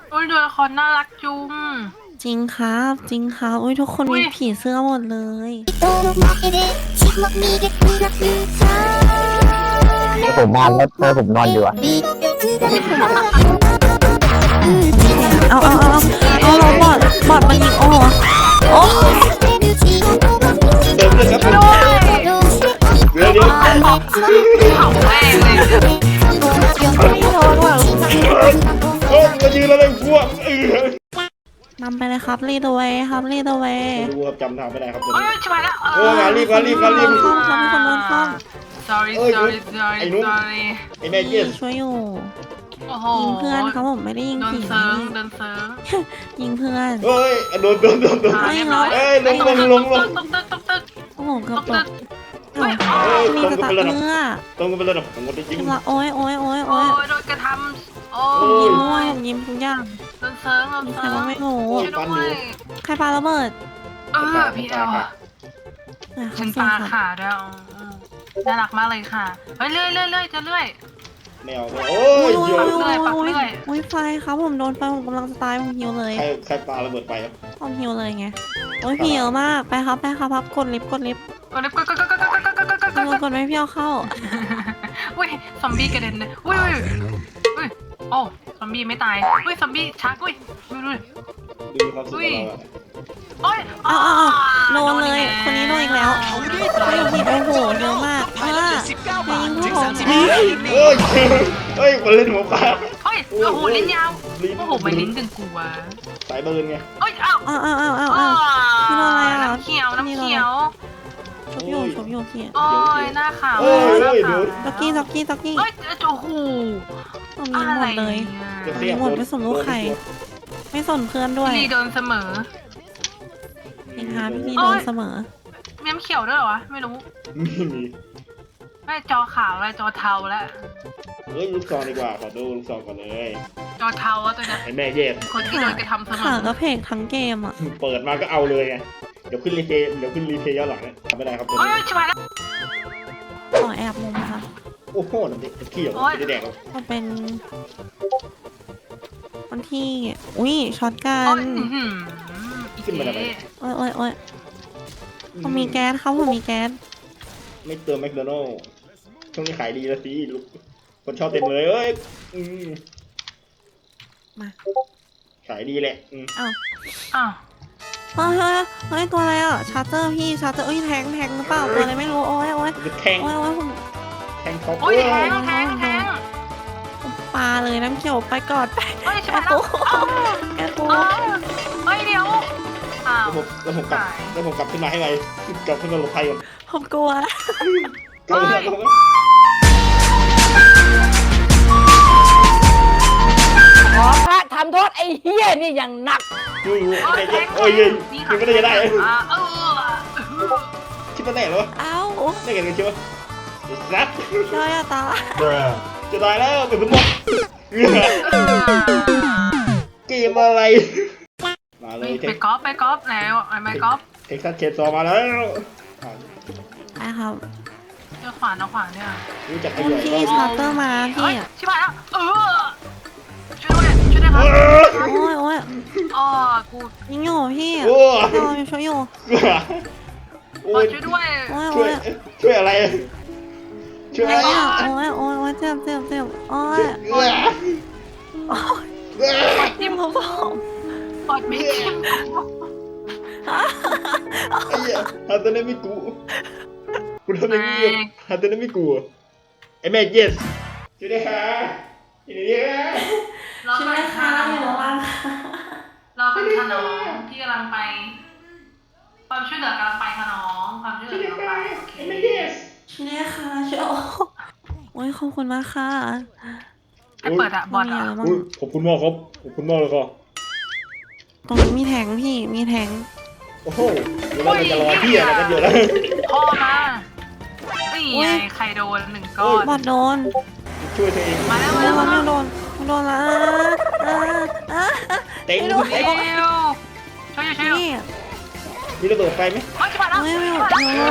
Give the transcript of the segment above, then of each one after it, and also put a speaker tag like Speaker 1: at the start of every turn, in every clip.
Speaker 1: โอ้ยตัวละครน่ารักจุง
Speaker 2: จริงครับจริงครับอุ้ยทุกคน
Speaker 1: อุ้ย
Speaker 2: มีผีเสื้อหมดเลย
Speaker 3: ถ้าผมมาแล้วเธอผมนอนอยู่อะ
Speaker 2: เอาเราบอดมันยิงโอ้
Speaker 4: เติมเลยครับ
Speaker 1: ช่วยด้วย
Speaker 4: เดี๋ยว
Speaker 1: เผาแม่งเลย
Speaker 2: ไม่โดนว่ะ
Speaker 4: โอ้มายืนแล้วเลยพวก
Speaker 2: นำไปเลยครับลีดเวย์ครับลีดเวย์
Speaker 4: ไม่รู้ครับจำทางไม่ได้ครับตัว
Speaker 1: โอ้ย
Speaker 4: นี้
Speaker 1: ชิบหายแล้ว
Speaker 4: มารีบมารีบมารีบ
Speaker 2: ข้อมครับมีคนโดนข้อม
Speaker 1: sorry
Speaker 4: เอ้ย
Speaker 1: sorry sorry
Speaker 4: ไอ้นุ๊ก
Speaker 1: sorry
Speaker 4: ไอ้แม่เจส
Speaker 2: ช่วยอยู่
Speaker 1: โอ้โห
Speaker 2: ยิงเพื่อนครับผมไม่ได้ยิง
Speaker 1: โดน
Speaker 2: ผี
Speaker 1: เซิร์งโดนเซิร์ง
Speaker 2: ยิงเพื่อน
Speaker 4: เฮ้ยโดน
Speaker 1: เรียบร้อย
Speaker 4: เอ้ยลง
Speaker 1: ตกตึก
Speaker 2: โอ้โหเกือบต
Speaker 1: ตึ
Speaker 2: ก
Speaker 1: ก
Speaker 2: อ้าว
Speaker 1: โอ้ย
Speaker 2: มีจะตัดเนื้อ
Speaker 4: ตรงกันไปเลยนะผมก็ได้จริง
Speaker 2: โอ้ยโอ้ยโอ้ย
Speaker 1: โอ้
Speaker 2: โอ้ย
Speaker 1: ยโดนกระทำโอ้
Speaker 4: โอ้
Speaker 2: ยิ้
Speaker 4: ย
Speaker 2: มมั่วผมยิ้มทุกอย่าง
Speaker 1: โดนเซิร์งโดน
Speaker 2: ใคร
Speaker 1: เซิร์
Speaker 2: ว่างไม่รู้
Speaker 1: ช่วยด้วย
Speaker 2: ใครปาระเบิด
Speaker 1: พี่เอล
Speaker 2: อ่ะ
Speaker 1: ฉัน
Speaker 2: เสีย
Speaker 1: ปาง
Speaker 2: ครับ
Speaker 1: ขาด้วยน่ารักมากเลยค่ะเฮ้ยเลื่อยจะเลื่อย
Speaker 4: ไม่เอาโอ้ยเยอะ
Speaker 2: โอ้ยไฟครับผมโดนไฟผมกำลังจะตายผมหิวเลย
Speaker 4: ใครปาระเบิดไปครับ
Speaker 2: ผมหิวเลยไงโอ้ยพี่เยอะมากไปครับพับกดลิฟต์
Speaker 1: กดเล็บ
Speaker 2: กดไม่พี่เอาเข้า
Speaker 1: อุ้ยซอมบี้กระเด็นเลยอุ้ยโอ้ซอมบี้ไม่ตายอุ้ยซอมบี้ชักอุ้ย
Speaker 4: ดูความสุขของเราอะ
Speaker 1: โอ้ย
Speaker 2: อ้าวโดนเลยคนนี้โดนอีกแล้วโอ้โหเยอะมากยิงพวกผม
Speaker 4: เฮ้ยคนเล่นหัวปลา
Speaker 1: เฮ้ยโอ้โหลิ้นยาวโอ้โหมันลิ้นดึงกูวะ
Speaker 4: สายเบิร์นไง
Speaker 1: เอ้ยอ้าว
Speaker 2: พี่โดนอะไรอ่ะ
Speaker 1: น้ำเขียว
Speaker 2: ชุบอยู่พี่
Speaker 1: โอ้ยหน้าขาว
Speaker 4: เฮ้ยเดี๋ยว
Speaker 2: จ็อกกี้
Speaker 1: เอ้ยโอ้โห
Speaker 2: ผมยิงหมดเลย
Speaker 4: จะเสียบ
Speaker 2: หมดไม่สนลูกใครไม่สนเพื่อนด้วย
Speaker 1: พี่โดนเสมอ
Speaker 2: ยิงหาพี่โดนเสมอ
Speaker 1: เมียมเขียวด้วยเหรอวะไม่รู้
Speaker 4: ไม่มี
Speaker 1: ไม่จอขาวอะไรจอเทาแล้ว
Speaker 4: เฮ้ยลูกซองดีกว่าขอดูลูกซองก่อนเลย
Speaker 1: จอเทาอะตัวเนี้ย
Speaker 4: ไอ้แม่เยส
Speaker 1: คนที่โดนกระทำเสม
Speaker 2: ขา
Speaker 1: อ
Speaker 2: ก็เพลงทั้งเกมอ่ะ
Speaker 4: เปิดมาก็เอาเลยไงเดี๋ยวขึ้นรีเพย์ย้อนหลังเนี่ยทำไม่ได้ครับตัว
Speaker 1: เฮ้ย
Speaker 4: นี้
Speaker 1: ชิบหายแล้ว
Speaker 2: ต่อแอบมุมค่ะ
Speaker 4: โอ้โหน้ำเด็กขี้เหรอไม่ได้แดกหรอก
Speaker 2: มันเป็นวันที่อุ้ยช็อตกั
Speaker 1: โอ้
Speaker 2: น
Speaker 1: ยอีเจ๊
Speaker 2: โอ้ยผมมีแก๊สครับผมมีแก๊ส
Speaker 4: ไม่เติมแมคโดนัลด์ช่วงนี้ขายดีแล้วสิลูกคนชอบเต็มเลยเอ้ย
Speaker 2: มา
Speaker 4: ขายดีแหละ
Speaker 2: อ้าว
Speaker 1: อ้าว
Speaker 2: เฮ้ยตัวอะไรอ่ะชาร์เจอร์พี่ชาร์เจอร์เอ้ยแทงหรือเปล่าตัวอะไรไม่รู้โอ้ย
Speaker 4: จะแทง
Speaker 2: ผม
Speaker 4: ท็อป
Speaker 1: โอ้ยแทง
Speaker 2: ปลาเลยน้ำเขียวไปก่อน
Speaker 1: เฮ้ยชิบหายแล้ว
Speaker 2: แกกู
Speaker 1: เฮ้ยเดี๋ยวอ้าว
Speaker 4: แล้วผมกลับขึ้นมาให้ไวกลับขึ้นมาหลบภัยก่อน
Speaker 2: ผมกลัว
Speaker 4: กลับมา
Speaker 3: ขอพระทำโทษไอ้เฮี้ยนี่อย่างหนัก
Speaker 4: อยู่โอ้ยยังไม่ได้จะได้คิดว่าแน่หรอ
Speaker 2: เอ้า
Speaker 4: ได้กันเลยใช่ไหมรัด
Speaker 2: ช่วยอะตา
Speaker 4: จะตายแล้วเป็นสมองเกมอะไรมาเลย
Speaker 1: ไปกอล์ฟแล้วไปกอล์ฟ
Speaker 4: เท็กซัสเชนซอมาแล้ว
Speaker 2: ไอ้ครับ
Speaker 1: เจอขวานเนี่ย
Speaker 4: รู้จักข
Speaker 2: คุณ
Speaker 4: ยาย
Speaker 2: พี่ชาร์เตอร์มาพี่
Speaker 1: ชิบหายแล้วช่วยด้วยครับ
Speaker 2: โอ้ย
Speaker 1: อ๋อกู
Speaker 2: ยิงอยู่พี่
Speaker 4: โอ้
Speaker 2: ช่วยอยู่
Speaker 1: ช่วยด้วย
Speaker 4: ช่วยอะไรช่วย
Speaker 2: โอ้ยเจ็บโอ้ยจิ้มเขาบอก
Speaker 1: ปอดไม่จิ้ม
Speaker 4: ไอ้เหี้ยฮันเตอร์ไม่กูกูทำอย่างนี้ฮันเตอร์ไม่กูไอ้แม่เยสช่วยได้ค่ะช่วยได้ค่ะ
Speaker 1: รอเป็นขนมที่กำลังไปความช่วยเหลือกำลังไปขนมความช่วยเหลือกำลังไปโอเค
Speaker 4: ไอ้แม่เยส
Speaker 2: ช่วยค่ะช่วยโอ้ยขอบคุณมากค่ะ
Speaker 1: ไปเปิดอะบอลอะ
Speaker 4: ขอบคุณมากครับขอบคุณมากเลยครับ
Speaker 2: ตรงนี้มีแทงพี่มีแทง
Speaker 4: โอ้โหเดี๋ยวเราจะรอพี่อะไรกันเยอะแล้ว
Speaker 1: พ่อมานี่ไงใครโดนหนึ่งก้อน
Speaker 2: บอดโดน
Speaker 4: ช่วยตัวเอง
Speaker 1: มาแล้ว
Speaker 2: ไม่โดนละ
Speaker 4: เต็ง
Speaker 1: เร็วช่วย
Speaker 2: พี่
Speaker 4: มีระเบิดไฟไหม
Speaker 1: เฮ้ยจะมาแล้ว
Speaker 2: ไม่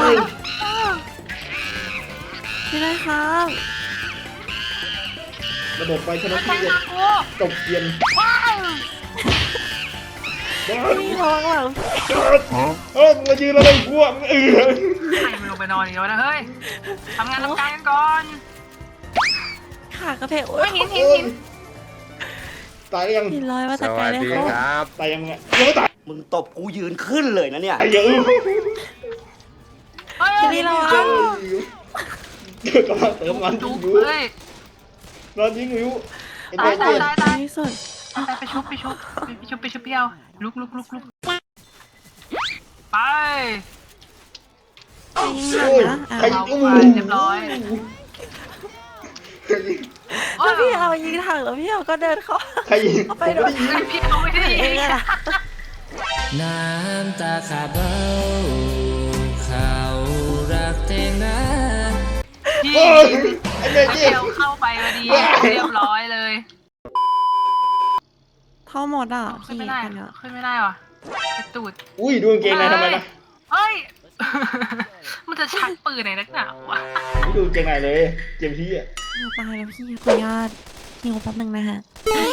Speaker 2: พี่ได้ครับ
Speaker 4: ระโดดไปชนะ
Speaker 1: ไม่
Speaker 4: ที่
Speaker 1: ใช่
Speaker 4: เด็ด
Speaker 1: นะกู
Speaker 4: จบเกียน
Speaker 1: ว้าว
Speaker 2: พี่ระวังหลัง
Speaker 4: มึงมายืนอะไรกูอ่ะ
Speaker 1: ใครมันลงไปนอนอีกแล้วนะเฮ้ยทำงานทำการกันก่อน
Speaker 2: ขากระเพกโอ้
Speaker 1: เฮ้
Speaker 2: ย
Speaker 1: ยหิน
Speaker 4: ตายยัง
Speaker 2: หินลอยมา
Speaker 5: ส
Speaker 2: จากไกล
Speaker 5: วัส
Speaker 2: เลย
Speaker 5: ดี
Speaker 2: เขา
Speaker 5: ครับ
Speaker 4: ตายยังไงยังไม่ตาย
Speaker 6: มึงตบกูยืนขึ้นเลยนะเนี่ย
Speaker 4: ตายเยอะ
Speaker 1: เฮ้ย
Speaker 2: พี่ระวัง
Speaker 4: กำลังเติมมัน
Speaker 1: จุ๊บ
Speaker 4: อยู่
Speaker 1: เฮ้ย
Speaker 4: นอนยิงอยู่ไอ้
Speaker 1: ตาย
Speaker 4: แม่
Speaker 1: ตาย
Speaker 4: เจ็บ
Speaker 1: ตายตาย
Speaker 2: ที่สุด
Speaker 1: ไปชุบเปียวลุกไป
Speaker 2: ไปยิงหนั
Speaker 4: โอ้
Speaker 2: ง
Speaker 4: ย
Speaker 2: นะอ่ะ
Speaker 4: ใคร
Speaker 1: เรา
Speaker 4: อู้
Speaker 1: ไปเรียบร้อย
Speaker 2: แล้วพี่เอายิงถังแล้วพี่เอาก็เดินเข้า
Speaker 4: ใครยิง
Speaker 2: ไปโดน
Speaker 1: พี่เขาไม่ได้
Speaker 2: เองอะ
Speaker 7: น้ำตาขาดเบ้าเขารักเตงนะ
Speaker 1: พี่
Speaker 4: โอ้ยไอ้แม่เจ็
Speaker 1: เดี
Speaker 4: บ
Speaker 1: ยวเข้าไปพอดีเรียบร้อยเลย
Speaker 2: เท่าหมดอ่ะ
Speaker 1: ขึ้
Speaker 2: พี่
Speaker 1: นไม่ได้
Speaker 2: คนเนี้ย
Speaker 1: ขึ้นไม่ได้ว่ะไอ้ตูด
Speaker 4: อุ้ยดูกางเกงในทำไมล่ะ
Speaker 1: เฮ้ย มันจะชักปืนในนักหนาวะ
Speaker 4: ดูกางเกงในเลยเกมที่อ่ะ
Speaker 2: ตายแล้วพี่ขออนุญาตหิวแป๊บนึงนะฮะ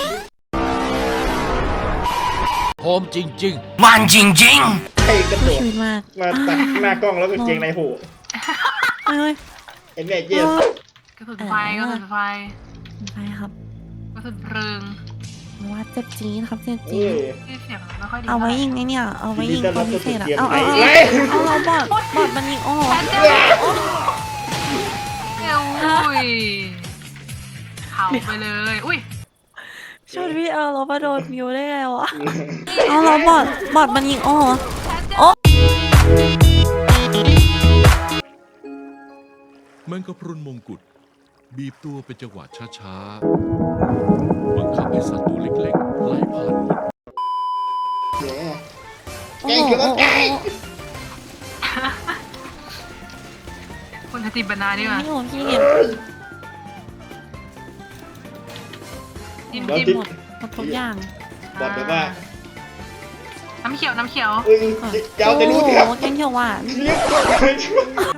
Speaker 7: โฮมจริงๆ มันจริง
Speaker 4: ใครกระโด
Speaker 2: สู้
Speaker 4: ด
Speaker 2: ชีวิตมาก
Speaker 4: มาตัดหน้ากล้องแล้วกางเกงในโผล่
Speaker 2: เอ้ย
Speaker 4: ไอ้แม่เจ็บ
Speaker 1: กระสุนไฟกระสุนไฟ
Speaker 2: ไปครับ
Speaker 1: กระสุนเพลิง
Speaker 2: ว่าเจ็บจี๊ดครับเจ็บ
Speaker 4: เอ
Speaker 2: จี๊ด
Speaker 4: อ
Speaker 1: ที่เสียงมันไม่ค่อยดี
Speaker 2: เอาไว้
Speaker 1: ท่หร่
Speaker 2: ยิงไอ้เนี่ยเอาไว้ยิง
Speaker 4: ยินดีต้
Speaker 2: ตั
Speaker 4: อนรับ
Speaker 2: วพิเศษอะ
Speaker 4: สู่
Speaker 2: เอา
Speaker 4: เกม
Speaker 2: เอาเราบอดมันยิงโอ้โห
Speaker 1: อุ้ยเผาไปเลย อุ้ย
Speaker 2: ชนพี่เอาเรามาโดนมิวได้ไงวะเอาเราบอดมันยิงโอ้โห
Speaker 8: แมงกะพรุนมงกุฎบีบตัวเป็นจังหวะช้าๆ บังคับให้สัตว์ตัวเล็กๆไหลผ่านหมด
Speaker 4: แกงเขียวแกง
Speaker 1: คุณจะติดบรรณาดีกว่า
Speaker 2: พี่โหพี่
Speaker 1: จิ้ม
Speaker 4: แล้ว
Speaker 1: จิ้ม
Speaker 4: ที่
Speaker 2: หมดทุกอย่าง
Speaker 4: บอกแบบว่า
Speaker 1: น้ำเขียวน้ำเขียว
Speaker 4: เอ้ยยาวแต่รู้สิครับ
Speaker 2: โอ้โหแกงเขียวหวาน
Speaker 4: เรียกตัวเลยช่วย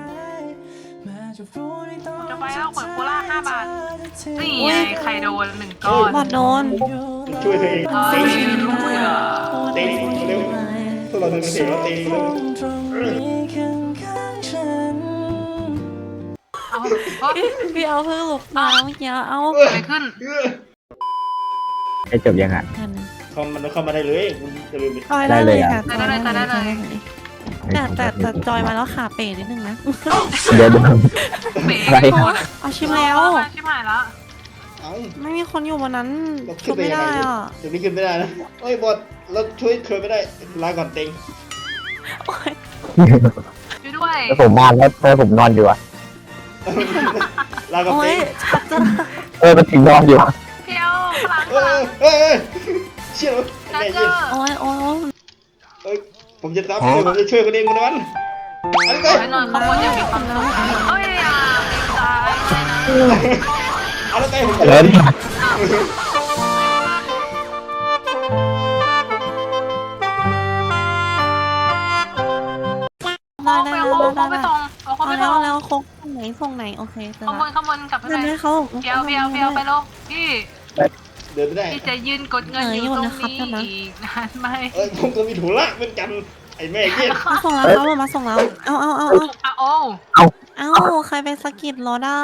Speaker 1: จะไปแล้วขวดโคล่า5 บาท นี่ไงใครโดน1 ก้อน
Speaker 2: บอดโดน
Speaker 4: ช่วยตัวเอง
Speaker 1: เฮ้ย
Speaker 4: ตีเร็วพวกเราทำเสียงแล้วตีเร็ว
Speaker 1: เอาเฮ้ย
Speaker 2: พี่เอาเพิ่งหลบมาเมื่อกี้เอา
Speaker 1: เกิดอะไรขึ้น
Speaker 6: ให้จบยังอ่ะ
Speaker 2: กัน
Speaker 4: คอมมันเข้ามาได้เลยคุณจะลืมไป
Speaker 2: จอยได้เลยค่ะ
Speaker 1: ได้เลยได้เลย
Speaker 2: แต่จอยมาแล้วขาเป๋นิดนึงนะ
Speaker 6: เดี๋ยว
Speaker 1: เบ๋โดน
Speaker 2: เอาชิมแล้ว
Speaker 1: ชิบหายแล้ว
Speaker 4: เอ้า
Speaker 2: ไม่มีคนอยู่บนนั้น
Speaker 4: เรา
Speaker 2: ชุ
Speaker 4: ขึ้น
Speaker 2: บ
Speaker 4: ไป
Speaker 2: ไม่
Speaker 4: ยัง
Speaker 2: ได้
Speaker 4: ไง
Speaker 2: อ่ะ
Speaker 4: เดี๋ยวนี้ขึ้นไม่ได้นะเอ้ยบอสเราช่วยเธอไม่ได้ลาก่อนเต็ง
Speaker 2: โอ๊ย
Speaker 1: ช่วยด้วย
Speaker 6: ผมมาแล้วผมนอนอยู่อ่ะ
Speaker 4: ลาก่อน
Speaker 2: โอ๊
Speaker 4: เต็
Speaker 2: ย
Speaker 4: ง
Speaker 2: ชัดจะ
Speaker 6: มันถึงนอนอยู่
Speaker 1: เพียวพลัง
Speaker 4: เอ้ยเชี่ย
Speaker 1: จั
Speaker 4: แม่
Speaker 1: เจ
Speaker 4: เย็
Speaker 1: อน
Speaker 2: โอ๊ยโอ๊ย
Speaker 4: เอ้ยผมจะรับผมจะช่วยคนเองคนนั้นอันนี้
Speaker 1: ขอให้นอนข้างบนอย่างมีความสุขเอ้ยอ่ะตายเลยนะ
Speaker 4: เอาแล้วไงผม
Speaker 6: เล่น
Speaker 2: ได้ได้
Speaker 1: เอา
Speaker 2: ได้
Speaker 1: เขาไป
Speaker 2: ได้
Speaker 1: ส่งเอาเขา
Speaker 2: เอา
Speaker 1: ไป
Speaker 2: แล้
Speaker 1: ส่
Speaker 2: ว
Speaker 1: ง
Speaker 2: แล้วคงส่งไหนโอเคเจอ
Speaker 1: ข้างบนกลับไป
Speaker 2: เดิน
Speaker 1: ไหน
Speaker 2: ให้เขา
Speaker 1: เพียวไปลงพี่
Speaker 4: เดินไม่ได้
Speaker 1: พี่จะยืนกดเงินอยู่ตรงนี้อีกนานไหม
Speaker 4: เอ้ยผมก็มีถุละเหมือนกันไอ้แม่เย็น
Speaker 2: มาส่งแล้วเขามาส่งแล้วเอา
Speaker 1: อ่ะโอ้
Speaker 2: เอาใครไปสะกิดรอด้า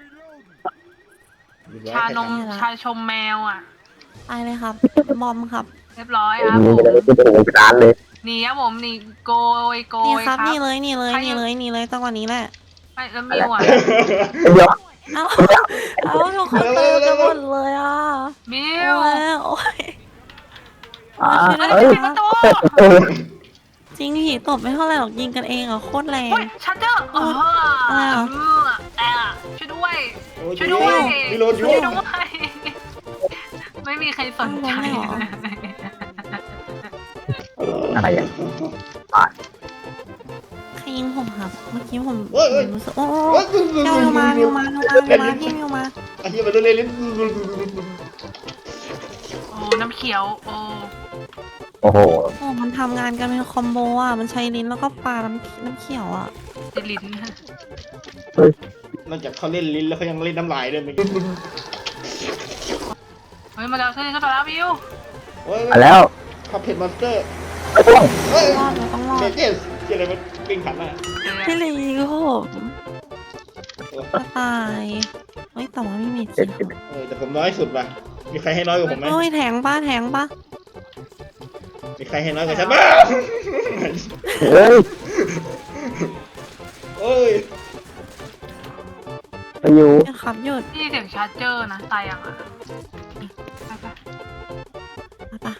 Speaker 1: ชาชมแมวอ่ะ
Speaker 2: ไปเลยครับบอมครับ
Speaker 1: เรียบร้อยครับผม
Speaker 6: ร้านเลย
Speaker 1: หนีครับผมหนีโกย
Speaker 2: นี่ค
Speaker 1: ค
Speaker 2: รั
Speaker 1: รั
Speaker 2: บบ นี่เลยจังหวะนี้แหละ
Speaker 1: ไอ้แล้วมิวอ่ะ
Speaker 6: เดี๋ยว
Speaker 2: เอาทุกคนเติมกันหมดเลยอ่ะ
Speaker 1: มิ
Speaker 2: โอ้
Speaker 1: วย
Speaker 2: โอ้ย
Speaker 1: เฮ้ยปิดประตู
Speaker 2: จริงผีตบไม่เท่าไหร่หรอกยิงกันเองอ่ะโคตรแรง
Speaker 1: เฮ้ยชัตเตอร์ช่วยด้วย ช่วยด้วย
Speaker 4: รีโหลดอยู่
Speaker 1: ช่วยด้วย ไม่มีใครสนใจ
Speaker 6: อะไรอ่ะ
Speaker 2: ใครยิงผมครับเมื่อกี้ผม
Speaker 4: เอ้ย
Speaker 2: รู้สึกโอ้
Speaker 4: เฮ้ย
Speaker 2: มิวมาพี่มิวมา
Speaker 4: ไอ้เหี้ยมันเล่นเล่น
Speaker 1: โอ้น้ำเขียวโอ้
Speaker 6: โอ้โห
Speaker 2: โอ้มันทำงานกันเป็นคอมโบอ่ะมันใช้ลิ้นแล้วก็ปลาน้ำเขียวอ่ะ
Speaker 1: ติดลิ้น
Speaker 4: นอกจากเขาเล่นลิ้นแล้วเขายังเล่นน้ำลายด้วยมั้ย
Speaker 1: เฮ้ยมาแล้วเส้นก็ไปแล้ววิว
Speaker 4: โอ้ย
Speaker 6: มาแล้ว
Speaker 4: ขับเพจมอนสเตอร์
Speaker 6: ไอ้พวก
Speaker 4: เฮ้ย
Speaker 2: รอดเราต้องรอ
Speaker 4: เม
Speaker 2: ด
Speaker 4: เจสเจอะไรมันปิ้งขันอ่ะ
Speaker 2: พี่ลีก็ผมจะตายเฮ้ยแต่ว่าไม่มีจริง
Speaker 4: แต่ผมน้อยสุดป่ะมีใครให้น้อยกว่าผมไหม
Speaker 2: โอ้ยแทงป้าแทงป้า
Speaker 4: มีใครให้น้อยกว่าฉันบ้าง
Speaker 6: เฮ้ย
Speaker 4: โอ้ย
Speaker 6: ไปอยู่
Speaker 2: หยุดครับหยุด
Speaker 1: พี่เสียงชาร์จเจอร์นะตายยังอ่ะไป
Speaker 2: มาปะ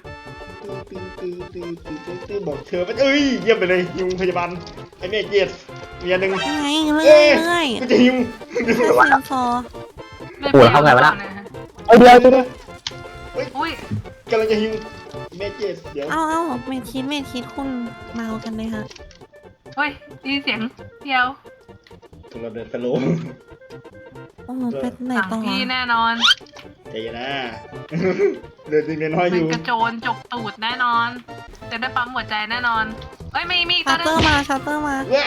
Speaker 4: ตื้อบอกเธอว่าเอ้ยเยี่ยมไปเลยยุงพยาบาลไอ้เมเจสเมียหนึ่ง
Speaker 2: ยังไงเรื่อยเรื่อย
Speaker 4: กูจะยุง
Speaker 2: แค่เซียมซอ
Speaker 1: ไม่เปลี่ยนก่อนนะ
Speaker 6: ไอ้เดียวตัวเดียว
Speaker 1: อุ้ย
Speaker 4: กำลังจะยุงเมเจสเดี๋ยว
Speaker 2: เอ้าเมทคิดคุณเมากันเลยฮะ
Speaker 1: เฮ้ยได้ยินเสียงเดียว
Speaker 4: ถึงเราเดินสโลว์
Speaker 2: โอ้โหเป็นไหน
Speaker 1: สั่ง
Speaker 2: ต่อ
Speaker 1: พี่แน่นอน
Speaker 4: ใจเย็นนะเดินจริงเมียน้อยอ
Speaker 1: เป็น
Speaker 4: ยู่
Speaker 1: กระโจนจกตูดแน่นอน จะได้ปั๊มหัวใจแน่นอนเฮ้ยมี
Speaker 2: ชา
Speaker 1: ตัว
Speaker 2: ร์
Speaker 1: นึ
Speaker 2: เตอร์
Speaker 1: ง
Speaker 2: มาชาร์เตอร์มา
Speaker 4: ว้า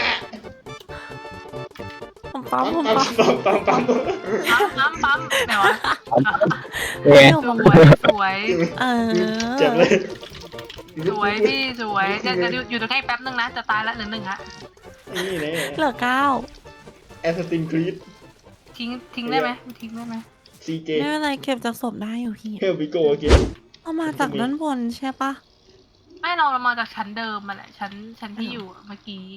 Speaker 2: ผมปั๊ม
Speaker 4: ปั๊ม
Speaker 1: ปั๊มเดี๋ยว
Speaker 6: เนี่ย
Speaker 2: อยู่ผม
Speaker 1: สวย
Speaker 2: เออ
Speaker 4: เจ็บเลย
Speaker 1: สวยพี่สวยจะอยู่ตรงใกล้แป๊บนึงนะจะตายละเหลือหนึ่งฮะ
Speaker 4: นี่เลย
Speaker 2: เหลือ9
Speaker 4: แอสตินครีด
Speaker 1: ทิ้งได้ไหมทิ้งได้ไหม
Speaker 4: ซีเจ
Speaker 2: ไม่เป็นไรเก็บจากศพได้อยู่พี่
Speaker 4: เฮลบิโกเกน
Speaker 2: เอามาจากด้านบนใช่ปะ
Speaker 1: ไม่เรามาจากชั้นเดิมมาแหละชั้นที่อยู่เมื่อกี้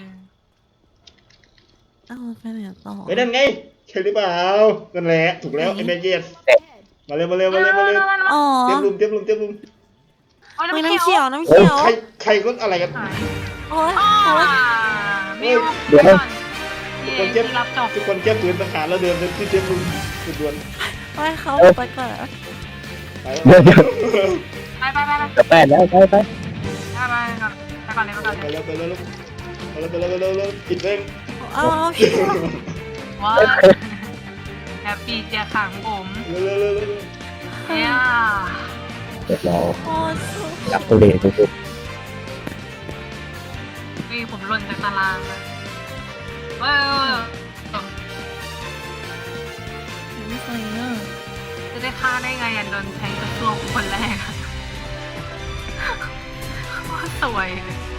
Speaker 2: เอาไปไหนต่อ
Speaker 4: ไปนั่นไงใช่หรือเปล่านั่นแหละถูกแล้วไอ้เมเจสมาเร็ว
Speaker 2: อ๋อ
Speaker 4: เตรียมลุม
Speaker 1: โอ้ย
Speaker 2: ไม่
Speaker 1: น้ำ
Speaker 2: น้ำ
Speaker 1: เขี
Speaker 2: เขี
Speaker 1: ย
Speaker 2: ยว วน้ำเขียว
Speaker 4: ใครก็อะไรกัน
Speaker 1: หาย
Speaker 2: โอ้ย
Speaker 1: มิว
Speaker 6: เดี๋ยว
Speaker 1: ที่รับจบ
Speaker 4: ทุกคนแก้ปืนทหารแล้วเดินที่เตรียมลุมด่วน
Speaker 2: ไปเขาไปก่อน
Speaker 4: ไป
Speaker 6: เดี๋ยว
Speaker 1: ไป
Speaker 6: จะแปดแล้วไป
Speaker 1: ก่อนเลย
Speaker 4: ไปแล้วปิดเอง
Speaker 2: เอาพี่
Speaker 1: ว้าแฮปปี้เจียขังผม
Speaker 4: เร็ว
Speaker 1: เนี่ย
Speaker 6: เดี๋ยวเรา
Speaker 2: โอ้ย
Speaker 6: จับตัวเลขสุด
Speaker 1: นี่ผมหล่นจากตารางเลยเออ
Speaker 2: ไม่เคยเนอะ
Speaker 1: จะได้ฆ่าได้ไงโดนแทงกระซวกคนแรก สวยเลย